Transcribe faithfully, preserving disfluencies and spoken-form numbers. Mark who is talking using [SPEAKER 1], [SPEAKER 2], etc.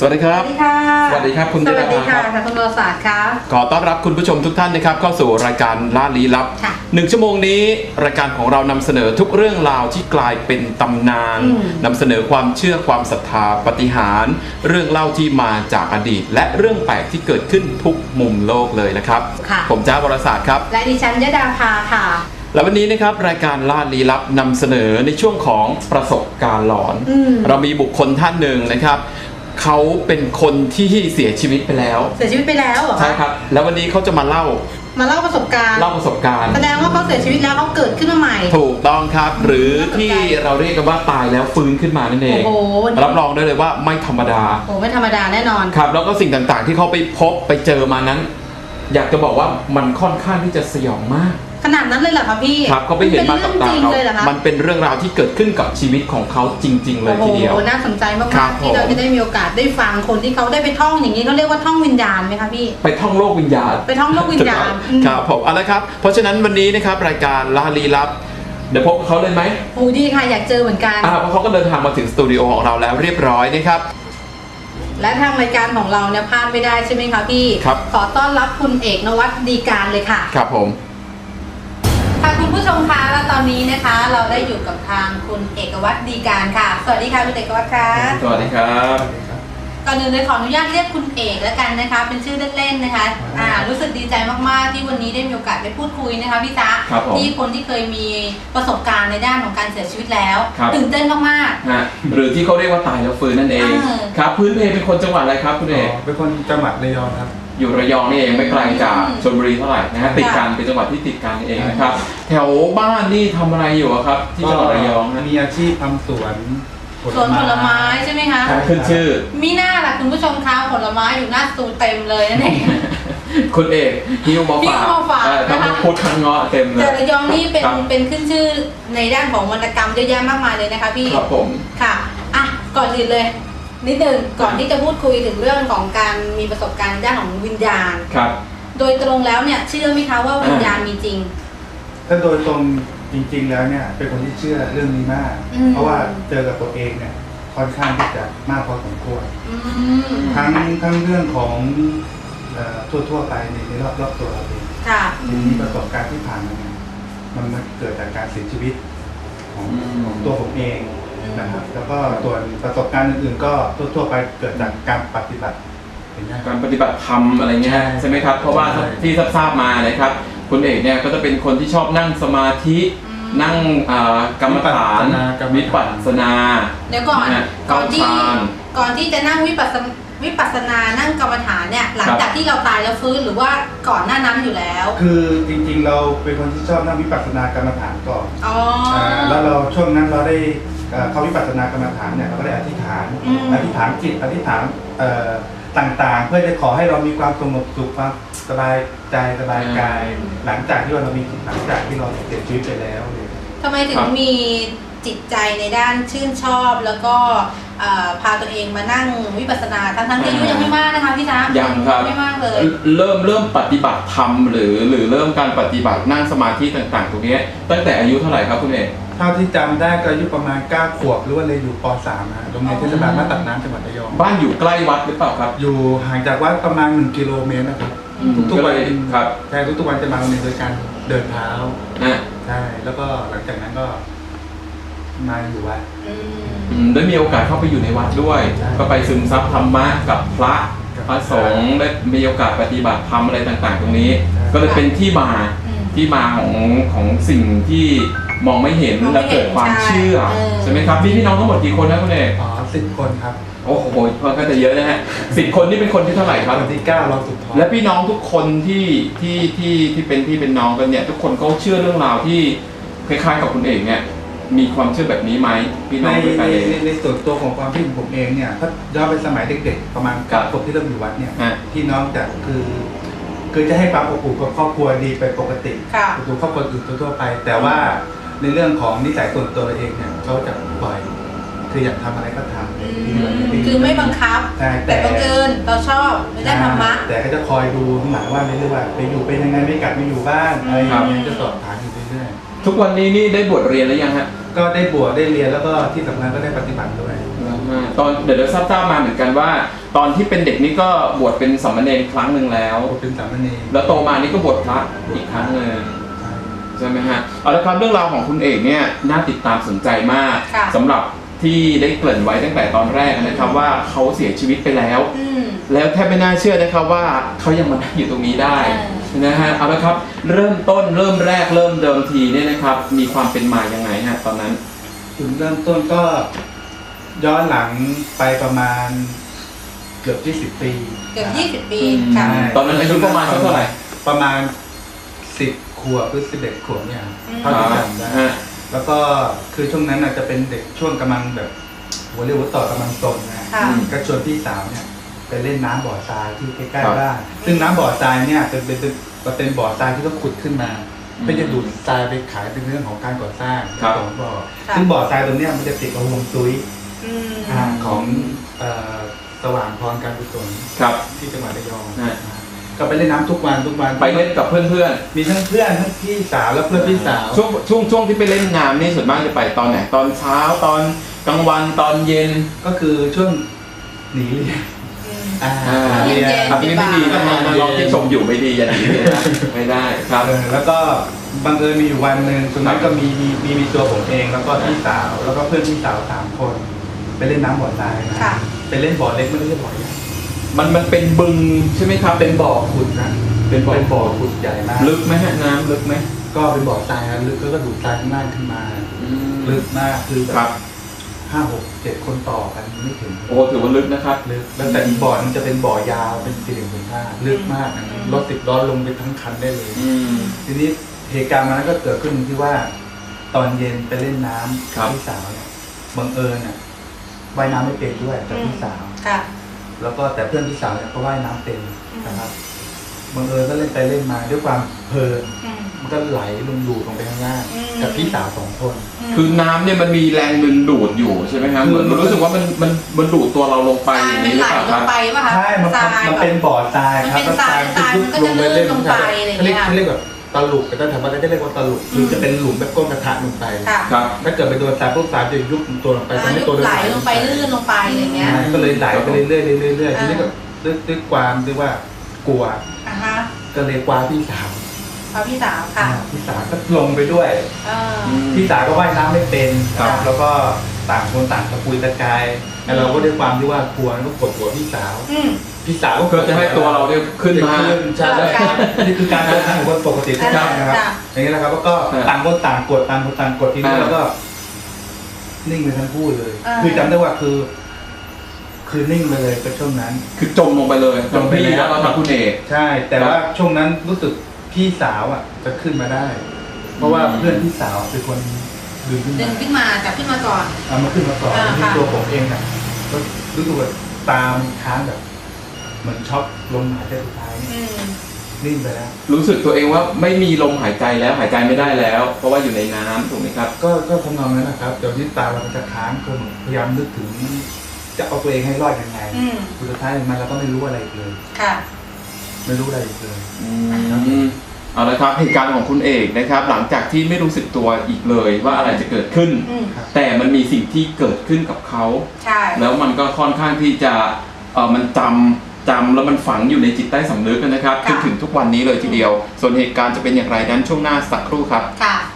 [SPEAKER 1] วัสดีครับ
[SPEAKER 2] สวัสดีค่ะ
[SPEAKER 1] สวัสดีครับคุณ
[SPEAKER 2] สวัสดีค่ะ
[SPEAKER 1] ครับ
[SPEAKER 2] ค่ะคุณวรศาสตร์ค่ะ
[SPEAKER 1] ขอต้อนรับคุณผู้ชมทุกท่านนะครับเข้าสู่รายการล่าลี้ลับ
[SPEAKER 2] ค่ะ
[SPEAKER 1] หนึ่งชั่วโมงนี้รายการของเรานำเสนอทุกเรื่องราวที่กลายเป็นตำนาน
[SPEAKER 2] อืม
[SPEAKER 1] นำเสนอความเชื่อความศรัทธาปาฏิหาริย์เรื่องเล่าที่มาจากอดีต และเรื่องแปลกที่เกิดขึ้นทุกมุมโลกเลยนะครับ
[SPEAKER 2] ค่ะ
[SPEAKER 1] ผมจ้าวรศาสตร์ครับ
[SPEAKER 2] และดิฉันยดาภาค่ะ
[SPEAKER 1] และวันนี้นะครับรายการล่าลี้ลับนำเสนอในช่วงของประสบการณ์หลอน
[SPEAKER 2] อืม
[SPEAKER 1] เรามีบุคคลท่านหนึ่งนะครับเขาเป็นคนที่เสียชีวิตไปแล้ว
[SPEAKER 2] เสียชีวิตไปแล้วเหรอ
[SPEAKER 1] ใช่ครับแล้ววันนี้เขาจะมาเล่า
[SPEAKER 2] มาเล่าประสบการณ์
[SPEAKER 1] เล่าประสบการณ์
[SPEAKER 2] แสดงว่าเขาเสียชีวิตแล้วเขาเกิดขึ้นมาใหม่
[SPEAKER 1] ถูกต้องครับ หรือที่เราเรียกกันว่าตายแล้วฟื้นขึ้นมานั่นเอง
[SPEAKER 2] โอ้โห
[SPEAKER 1] รับรองได้เลยว่าไม่ธรรมดา
[SPEAKER 2] โอ้ไม่ธรรมดาแน่นอน
[SPEAKER 1] ครับแล้วก็สิ่งต่างๆที่เขาไปพบไปเจอมานั้น อยากจะบอกว่ามันค่อนข้างที่จะสยองมาก
[SPEAKER 2] ขนาดนั้นเลยเหรอคะพี่
[SPEAKER 1] ครับเขาไปเห็นมากับตา
[SPEAKER 2] เป็นเรื่องจริง
[SPEAKER 1] เขา
[SPEAKER 2] เลยเหรอคะ
[SPEAKER 1] มันเป็นเรื่องราวที่เกิดขึ้นกับชีวิตของเขาจริง ๆ เลยทีเดียว
[SPEAKER 2] โอ้โหน่าสนใจมา
[SPEAKER 1] ครั
[SPEAKER 2] ก
[SPEAKER 1] บ
[SPEAKER 2] ๆที่เรา
[SPEAKER 1] ผม
[SPEAKER 2] จะได้มีโอกาสได้ฟังคนที่เขาได้ไปท่องอย่างนี้เขาเรียกว่าท่องวิญญาณไหมคะพี่
[SPEAKER 1] ไปท่องโลกวิญญาณ
[SPEAKER 2] ไปท่องโลกวิญญาณอืม
[SPEAKER 1] ครับผมเอาละครับเพราะฉะนั้นวันนี้นะครับรายการล่าลี้ลับเดี๋ยวพบกับเขาเลยไหม
[SPEAKER 2] โอ้ดีค่ะอยากเจอเหมือนกัน
[SPEAKER 1] อ่าเพราะเขาก็เดินทางมาถึงสตูดิโอของเราแล้วเรียบร้อยนะครับ
[SPEAKER 2] และทางรายการของเราเนี่ยพลาดไม่ได้ใช่ไหมคะพี่
[SPEAKER 1] ครับ
[SPEAKER 2] ขอต้อนรับคุณเอกนวัตดีการเลยค่ะ
[SPEAKER 1] ครับผม
[SPEAKER 2] ค่ะคุณผู้ชมคะและตอนนี้นะคะ เราได้อยู่กับทางคุณเอกวัตดีการค่ะ สวัสดีค่ะคุณเอกวัตค่ะ
[SPEAKER 1] สวัสดีครับ
[SPEAKER 2] ก่อนอื่นเลยขออนุญาตเรียกคุณเอกแล้วกันนะคะ เป็นชื่อเล่นๆนะคะอ่ารู้สึกดีใจมากๆที่วันนี้ได้มีโอกาสได้พูดคุยนะคะพี่จ๊ะ
[SPEAKER 1] ครับผม
[SPEAKER 2] ที่คนที่เคยมีประสบการณ์ในด้านของการเสียชีวิตแล้ว
[SPEAKER 1] ครับ
[SPEAKER 2] ตื่นเต้นมาก
[SPEAKER 1] ฮะหรือที่เขาเรียกว่าตายแล้วฟื้นนั่นเอง
[SPEAKER 2] เออ
[SPEAKER 1] ครับพื้นเพเป็นคนจังหวัดอะไรครับคุณเอก
[SPEAKER 3] เป็นคนจังหวัดระยองครับ
[SPEAKER 1] อยู่ระยองนี่เองไม่ไกลจาก
[SPEAKER 2] อืม
[SPEAKER 1] ชลบุรีเท่าไหร่นะฮะติดกันเป็นจังหวัดที่ติดกันนี่เองนะครับแถวบ้านนี่ทำอะไรอยู่อะครับ ที่จังหวัดระยองนะ
[SPEAKER 3] มีอาชีพทำสวน
[SPEAKER 2] ๆสวนผลไม้ใช่ไหมคะ
[SPEAKER 1] ขึ้นชื่อ
[SPEAKER 2] มีหน้าล่ะคุณผู้ชมคะผลไม้อยู่หน้าสตูเต็มเลยนั่นเอง
[SPEAKER 1] คุณเอกฮิวมาฝาก
[SPEAKER 2] ฮิ้วมาฝาก
[SPEAKER 1] เออทั้ง
[SPEAKER 2] นะคะ
[SPEAKER 1] พุทธทั้งเงาะเต็มเล
[SPEAKER 2] แต่
[SPEAKER 1] ย
[SPEAKER 2] ระยองนี่เป็น
[SPEAKER 1] ครับ
[SPEAKER 2] เป็นขึ้นชื่อในด้านของวรรณกรรมเยอะแยะมากมายเลยนะคะพี่
[SPEAKER 1] ครับผม
[SPEAKER 2] ค่ะอ่ะก่อนอื่นเลยนิดนึงก่อนที่จะพูดคุยถึงเรื่องของการมีประสบการณ์ในด้านของวิญญาณ
[SPEAKER 1] ครับ
[SPEAKER 2] โดยตรงแล้วเนี่ยเชื่อไหมคะว่าวิญญาณมีจริง
[SPEAKER 3] ถ้าโดยตรงจริงๆแล้วเนี่ยเป็นคนที่เชื่อเรื่องนี้มาก
[SPEAKER 2] อืม
[SPEAKER 3] เพราะว่าเจอกับตัวเองเนี่ยค่อนข้างที่จะมากพอสมควร
[SPEAKER 2] อืม
[SPEAKER 3] ทั้งทั้งเรื่องของเอ่อทั่วๆไปในในรอบรอบตัวเราเอง
[SPEAKER 2] ค่ะ
[SPEAKER 3] ทีนี้ประสบการณ์ที่ผ่านมาเนี่ยมันมันเกิดจากการเสียชีวิตของ
[SPEAKER 1] อืม
[SPEAKER 3] ของตัวผมเองนะครับแล้วก็ส่วนประสบการณ์อื่นๆก็ทั่วๆไปเกิดจากการปฏิบัติอย่างเงี้ย
[SPEAKER 1] การปฏิบัติธรรมอะไรเงี้ย
[SPEAKER 3] ใช่
[SPEAKER 1] ใช่ไหมครับเพราะว่า
[SPEAKER 3] ใช่
[SPEAKER 1] ที่ทราบๆมานะครับคุณเอกเนี่ยก็จะเป็นคนที่ชอบนั่งสมาธิ
[SPEAKER 2] อืม
[SPEAKER 1] นั่งอ่ากรรมฐานวิปัสสนา
[SPEAKER 2] เดี๋ยวก่อน
[SPEAKER 1] นะ
[SPEAKER 2] ก่อนที่
[SPEAKER 1] เข้าฌาน
[SPEAKER 2] ก่อนที่จะนั่งวิปัสสนวิปัสสนานั่งกรรมฐานเนี่ยหลังจากที่เราตายแล้วฟื้นหรือว่าก่อนหน้านั้นอยู่แล้ว
[SPEAKER 3] คือจริงๆเราเป็นคนที่ชอบนั่งวิปัสสนากรรมฐานก่อน
[SPEAKER 2] อ๋อ
[SPEAKER 3] อ่าแล้วเราช่วงนั้นเราได้เอ่อเข้าวิปัสสนากรรมฐานเนี่ยเราก็ได้อธิษฐาน
[SPEAKER 2] อืม
[SPEAKER 3] อธิษฐานจิตอธิษฐานเอ่อต่างๆ เพื่อจะขอให้เรามีความสงบสุขความสบายใจสบายกาย หลังจากที่เรามีหลังจากที่เราเสียชีวิตไปแล้วเนี่ย
[SPEAKER 2] ทำไมถึงมีจิตใจในด้านชื่นชอบแล้วก็เอ่อพาตัวเองมานั่งวิปัสสนาทั้งๆที่อายุยังไม่มากนะคะพี่จ๊ะ
[SPEAKER 1] ยังครับ
[SPEAKER 2] ไม่มากเลย
[SPEAKER 1] เริ่มเริ่มปฏิบัติธรรมหรือหรือเริ่มการปฏิบัตินั่งสมาธิต่างๆ ตรงนี้ตั้งแต่อายุเท่าไหร่ครับคุณเอก
[SPEAKER 3] เท่าที่จำได้ก็อายุประมาณเก้าขวบหรือว่าเลยนอยู่ป .สาม นะโรงเรียนเทศบาลบ้านตัดน้ำจังหวัดระยอง
[SPEAKER 1] บ้านอยู่ใกล้วัดหรือเปล่าครับ
[SPEAKER 3] อยู่ห่างจากวัดประมาณหนึ่งกิโลเมตรนะครับ
[SPEAKER 2] อืม
[SPEAKER 3] ทุกๆวัน
[SPEAKER 1] ก็เลยครับ
[SPEAKER 3] ใช่ทุกๆวันจะมาโรงเรียนโดยการเดินเท้า
[SPEAKER 1] นะ
[SPEAKER 3] ใช่แล้วก็หลังจากนั้นก็มาอยู่วัด
[SPEAKER 2] อืม
[SPEAKER 1] อืมได้มีโอกาสเข้าไปอยู่ในวัดด้วย
[SPEAKER 3] ใช่
[SPEAKER 1] ก็ไปซึมซับธรรมะกับพระ
[SPEAKER 3] กับ
[SPEAKER 1] พระสงฆ์ได้มีโอกาสปฏิบัติธรรมอะไรต่างๆ ตรงนี้
[SPEAKER 3] ใช่
[SPEAKER 1] ก็เลยเป็นที่มา
[SPEAKER 2] อืม
[SPEAKER 1] ที่มาของของสิ่งที่มองไม่เห็น
[SPEAKER 2] มองไม่
[SPEAKER 1] และเกิดความ
[SPEAKER 2] เห็น
[SPEAKER 1] เชื่อ
[SPEAKER 2] ใช่เออ
[SPEAKER 1] ใช่ไหมครับมีพี่น้องทั้งหมดกี่คนนะคุณเอก
[SPEAKER 3] อ๋อสิบคนครับ
[SPEAKER 1] โอ้โหก็จะเยอะนะฮะสิบคนนี่เป็นคนที่เท่าไหร่ครับ
[SPEAKER 3] วันที่เก้าเราสุดท้อง
[SPEAKER 1] และพี่น้องทุกคนที่ที่ที่ที่เป็นพี่เป็นน้องกันเนี่ยทุกคนเขาเชื่อเรื่องราวที่คล้ายๆกับคุณเอกเนี่ยมีความเชื่อแบบนี้ไหมพี่น้
[SPEAKER 3] ใน
[SPEAKER 1] องด้วย
[SPEAKER 3] ใน
[SPEAKER 1] กันเอง
[SPEAKER 3] ในในส่วนตัวของความคิดของผมเองเนี่ยถ้าย้อนไปสมัยเด็กๆประมาณ
[SPEAKER 1] ครั
[SPEAKER 3] เก้า
[SPEAKER 1] บ
[SPEAKER 3] ขวบที่เริ่มอยู่วัดเนี่ย
[SPEAKER 1] ฮะ
[SPEAKER 3] พี่น้องจะคือคือจะให้ความอบอุ่นกับครอบครัวดีไปปกติ
[SPEAKER 2] ค่ะ
[SPEAKER 3] ดูครอบครัวอื่นทั่วๆไป แต่ว่าในเรื่องของนิสัยส่วนตัวเราเองเนี่ยเขาจะปล่อยคืออยากทำอะไรก็ทำ
[SPEAKER 2] อืมคือไม่บังคับ
[SPEAKER 3] ใช่แต่
[SPEAKER 2] แต่บังเอิญเราชอบไม่ได้ธรรมะ
[SPEAKER 3] แต่ก็จะคอยดูข้างหลังว่าในเรื่องว่าไปอยู่เป็นยังไงไม่กลับไม่อยู่บ้านอะไรอย่างเงี้ยจะสอบถามอยู่เรื่อย
[SPEAKER 1] ทุกวันนี้นี่ได้บวชเรียนแล้วยังฮะ
[SPEAKER 3] ๆก็ได้บวชได้เรียนแล้วก็ที่สำคัญก็ได้ปฏิบัติด้วย
[SPEAKER 1] โอ่าตอนเดี๋ยวเราทราบๆมาเหมือนกันว่า ตอนที่เป็นเด็กนี่ก็บวชเป็นสามเณรครั้งหนึ่งแล้ว
[SPEAKER 3] เป็นสามเณร
[SPEAKER 1] แล้วโตมานี่ก็บวชพระอีกครั้งหนึ่งใช่ไหมฮะเอาละครับเรื่องราวของคุณเอกเนี่ยน่าติดตามสนใจมาก
[SPEAKER 2] ค่ะ
[SPEAKER 1] สำหรับที่ได้เกริ่นไว้ตั้งแต่ตอนแรกนะครับว่าเขาเสียชีวิตไปแล้ว
[SPEAKER 2] อืม
[SPEAKER 1] แล้วแทบไม่น่าเชื่อนะครับว่าเขายังมานั่งอยู่ตรงนี้ได้
[SPEAKER 2] เออ
[SPEAKER 1] นะฮะเอาละครับเริ่มต้นเริ่มแรกเริ่มเดิมทีเนี่ยนะครับมีความเป็นมายังไงฮะตอนนั้น
[SPEAKER 3] จุดเริ่มต้นก็ย้อนหลังไปประมาณเกือบยี่สิบปี
[SPEAKER 2] เกือบยี่สิบปี
[SPEAKER 1] อืม
[SPEAKER 2] ค่ะ
[SPEAKER 1] ตอนนั้นอายุประมาณสักเท่าไหร่
[SPEAKER 3] ประมาณสิบขวบหรือสิบเอ็ดขวบเนี่ย
[SPEAKER 2] อืม
[SPEAKER 3] เท่าที่จำได้
[SPEAKER 1] ฮะ
[SPEAKER 3] แล้วก็คือช่วงนั้นอาจจะเป็นเด็กช่วงกำลังแบบหัวเรียวหัวต่อกำลังตนนะ
[SPEAKER 2] ค่ะ
[SPEAKER 3] ก็ชวนพี่สาวเนี่ยไปเล่นน้ำบ่อทรายที่ใกล้
[SPEAKER 1] ครับ
[SPEAKER 3] ๆบ้านซึ่งน้ำบ่อทรายเนี่ยเป็นเป็นเป็นเป็นบ่อทรายที่เขาขุดขึ้นมา
[SPEAKER 1] อืม
[SPEAKER 3] เพื่อจะดูดทรายไปขายเป็นเรื่องของการก่อสร้าง
[SPEAKER 1] ครับ
[SPEAKER 3] ของบ่อ
[SPEAKER 2] ค่ะ
[SPEAKER 3] ซึ่งบ่อทรายตรงเนี้ยมันจะติดกับฮวงซุย
[SPEAKER 2] อืม
[SPEAKER 3] อ่าของเอ่อสว่างพรการกุศล
[SPEAKER 1] ครับ
[SPEAKER 3] ที่จังหวัดระยอง
[SPEAKER 1] ฮะ
[SPEAKER 3] ก็ไปเล่นน้ำทุกวันทุกวัน
[SPEAKER 1] ไปเล่นกับเพื่อน
[SPEAKER 3] มีทั้งเพื่อนทั้งพี่สาวและเพื่อนพี่สาว
[SPEAKER 1] ๆช่วงช่วงช่วงที่ไปเล่นน้ำนี่ส่วนมากจะไปตอนไหนตอนเช้าตอนกลางวันตอนเย็น
[SPEAKER 3] ก็คือช่วงหนีเรียน
[SPEAKER 2] อืม
[SPEAKER 3] อ่า
[SPEAKER 1] อ่า
[SPEAKER 3] หนีเรียน
[SPEAKER 2] เย็น
[SPEAKER 1] อันนี้ไม่ดีนะมาลองที่ชมอยู่ไม่ดีอย่าหนีเลยนะไม่ได้ครับ
[SPEAKER 3] เออแล้วก็บังเอิญมีอยู่วันหนึ่งตรงนั้นก็มีมีมีมีตัวผมเองแล้วก็พี่สาวแล้วก็เพื่อนพี่สาวสามคน ไปเล่นน้ำบ่อทรายนะ
[SPEAKER 2] ค่ะ
[SPEAKER 3] ไปเล่นบ่อเล็กไม่ได้เล่นบ่อใหญ่
[SPEAKER 1] มันมันเป็นบึงใช่ไหมครับ
[SPEAKER 3] เป็นบ่อขุดนะ
[SPEAKER 1] เป็นบ่อ
[SPEAKER 3] เป็นบ่อขุดใหญ่มาก
[SPEAKER 1] ลึกไหมฮะน้ำลึกไหม
[SPEAKER 3] ก็เป็นบ่อทรายนะลึกก็ดูดทรายข้างล่างขึ้นมา ลึกมากคือแบ
[SPEAKER 1] ครับ บ
[SPEAKER 3] ห้าหกเจ็ดคนต่อกันไม่ถึง
[SPEAKER 1] โอ้ถือว่าลึกนะครับ
[SPEAKER 3] ลึกแล้วแต่อีกบ่อมันจะเป็นบ่อยาวเป็นสี่เหลี่ยมผืนผ้าลึกมากนะ
[SPEAKER 2] อืม
[SPEAKER 3] รถสิบล้อลงไปทั้งคันได้เลย
[SPEAKER 1] อืม
[SPEAKER 3] ทีนี้เหตุการณ์มันนั้นก็เกิดขึ้นที่ว่า ตอนเย็นไปเล่นน้ำ
[SPEAKER 1] ครับ
[SPEAKER 3] พี่สาวเนี่ยบังเอิญอ่ะว่ายน้ำไม่เป็นด้วยกับพี่สาว
[SPEAKER 2] ค่ะ
[SPEAKER 3] แล้วก็แต่เพื่อนพี่สาวเนี่ยก็ว่ายน้ำเป็น
[SPEAKER 2] อืม
[SPEAKER 3] นะครับบังเอิญก็เล่นไปเล่นมาด้วยความเพลิน
[SPEAKER 2] อืม
[SPEAKER 3] มันก็ไหลลงดูดลงไปข้างล่าง
[SPEAKER 2] อืม
[SPEAKER 3] กับพี่สาวสองคน
[SPEAKER 1] คือน้ำเนี่ยมันมีแรงดึงดูดอยู่ใช่ไหมครับ
[SPEAKER 3] คือ
[SPEAKER 1] เหมือนมันรู้สึกว่ามันมันมันดูดตัวเราลงไป
[SPEAKER 2] ทราย
[SPEAKER 1] อย่าง
[SPEAKER 2] มัน
[SPEAKER 1] นี้ห
[SPEAKER 2] ไห
[SPEAKER 1] รือ
[SPEAKER 2] ล
[SPEAKER 1] เปล่าครับ
[SPEAKER 2] ลงไปป่ะคะ
[SPEAKER 3] ใช่มัน
[SPEAKER 2] ทราย
[SPEAKER 3] มัน
[SPEAKER 2] แบบ
[SPEAKER 3] เป็นบ่อทรายครับ
[SPEAKER 2] มันเป็นทรายทรายมันก็จะลื่นลงไปอะไรอย่างเงี้ย
[SPEAKER 3] เขาเรียกเขาเรียกแบบตะลุกแต่ถ้าถามว่าจะเรียกว่าตะลุกคือจะเป็นหลุมแบบก้นกระทะลงไป
[SPEAKER 2] ค่ะ
[SPEAKER 1] ครับ
[SPEAKER 3] ถ้าเกิดไปโดนทรายพวกทรายจะยุบตัวลงไป
[SPEAKER 2] อ่า
[SPEAKER 3] ทำให้
[SPEAKER 2] ยุ
[SPEAKER 3] ตัว
[SPEAKER 2] บไหลลงไปลื่นลงไปอะไรอย่างเงี้ย
[SPEAKER 3] ใช่ก็เลยไหลไปเรื่อยๆเรื่อยๆเรื่อยๆทีนี้ก็
[SPEAKER 2] อ่า
[SPEAKER 3] ด้วยด้วยความที่ว่ากลัว
[SPEAKER 2] อ่าฮะ
[SPEAKER 3] ก็เลยกวาพี่สาว
[SPEAKER 2] เอาพี่สาวค่ะ
[SPEAKER 3] อ่าพี่สาวก็ลงไปด้วย
[SPEAKER 2] เออ
[SPEAKER 3] พี่สาวก็ว่ายน้ำไม่เป็น
[SPEAKER 1] ครับ
[SPEAKER 3] แล้วก็ต่างคนต่างตะปุยตะกายแล้วเราก็ด้วยความที่ว่ากลัวก็กดหัวพี่สาว
[SPEAKER 2] อืม
[SPEAKER 3] พี่สาวก็
[SPEAKER 1] เพื่อจะให้ตัวเราเนี่ยขึ้นมา
[SPEAKER 3] ใช่
[SPEAKER 2] ครับ
[SPEAKER 3] นี่คือการเดินทางของคนปกติทุกท่านนะครับ
[SPEAKER 2] ค่ะ
[SPEAKER 3] อย่างนี้นะครับแล้วก็
[SPEAKER 1] ครับ
[SPEAKER 3] ต่างคนต่างกดต่างคนต่างกดทีนี้
[SPEAKER 1] อ่า
[SPEAKER 3] แล้วก็ นิ่งไปทั้งคู่เลย
[SPEAKER 2] อ่า
[SPEAKER 3] คือจำได้ว่าคือ คือนิ่งไปเลยเป็นช่วงนั้น
[SPEAKER 1] คือจมลงไปเลย
[SPEAKER 3] จมไป
[SPEAKER 1] พี่
[SPEAKER 3] แล้ว
[SPEAKER 1] แล้วก็ทางคุณเอก
[SPEAKER 3] ใช่ แต่
[SPEAKER 1] ครับ
[SPEAKER 3] ว่าช่วงนั้นรู้สึกพี่สาวอ่ะ จะขึ้นมาได้ เพราะว่า
[SPEAKER 1] อืม
[SPEAKER 3] เพื่อนพี่สาวเป็นคนดึงขึ้น
[SPEAKER 2] ดึ
[SPEAKER 3] มาง
[SPEAKER 2] ขึ้นมาจับขึ้นมาก่อน
[SPEAKER 3] เอามาขึ้นมาก่อน
[SPEAKER 2] อ่า
[SPEAKER 3] ที่
[SPEAKER 2] ค่ะ
[SPEAKER 3] ตัวผมเองอ่ะก็รู้สึกว่าตามค้างแบบ เหมือนช็อกลมหายใจสุดท้าย
[SPEAKER 2] อืม
[SPEAKER 3] นิ่งไปแล้ว
[SPEAKER 1] รู้สึกตัวเองว่าไม่มีลมหายใจแล้วหายใจไม่ได้แล้ว เพราะว่าอยู่ในน้ำถูกไหมครับ
[SPEAKER 3] ก็ก็ทำนองนั้นนะครับเดี๋ยวนี้ตาเรามันจะค้างก็พยายามนึกถึง จะเอาตัวเองให้รอดยังไง
[SPEAKER 2] อืม
[SPEAKER 3] สุดท้ายมันเราก็ไม่รู้อะไรอีกเลย
[SPEAKER 2] ค่ะ
[SPEAKER 3] ไม่รู้อะไรอีกเลย
[SPEAKER 1] อืมเอาละครับเหตุการณ์ของคุณเอกนะครับ หลังจากที่ไม่รู้สึกตัวอีกเลยว่าอะไรจะเกิดขึ้น
[SPEAKER 2] อืม
[SPEAKER 1] แต่มันมีสิ่งที่เกิดขึ้นกับเขา
[SPEAKER 2] ใช่
[SPEAKER 1] แล้วมันก็ค่อนข้างที่จะเออมันจำจำแล้วมันฝังอยู่ในจิตใต้สำนึกนะครับจนถึงทุกวันนี้เลยทีเดียว ส่วนเหตุการณ์จะเป็นอย่างไรนั้นช่วงหน้าสักครู่ครับ
[SPEAKER 2] ค่ะ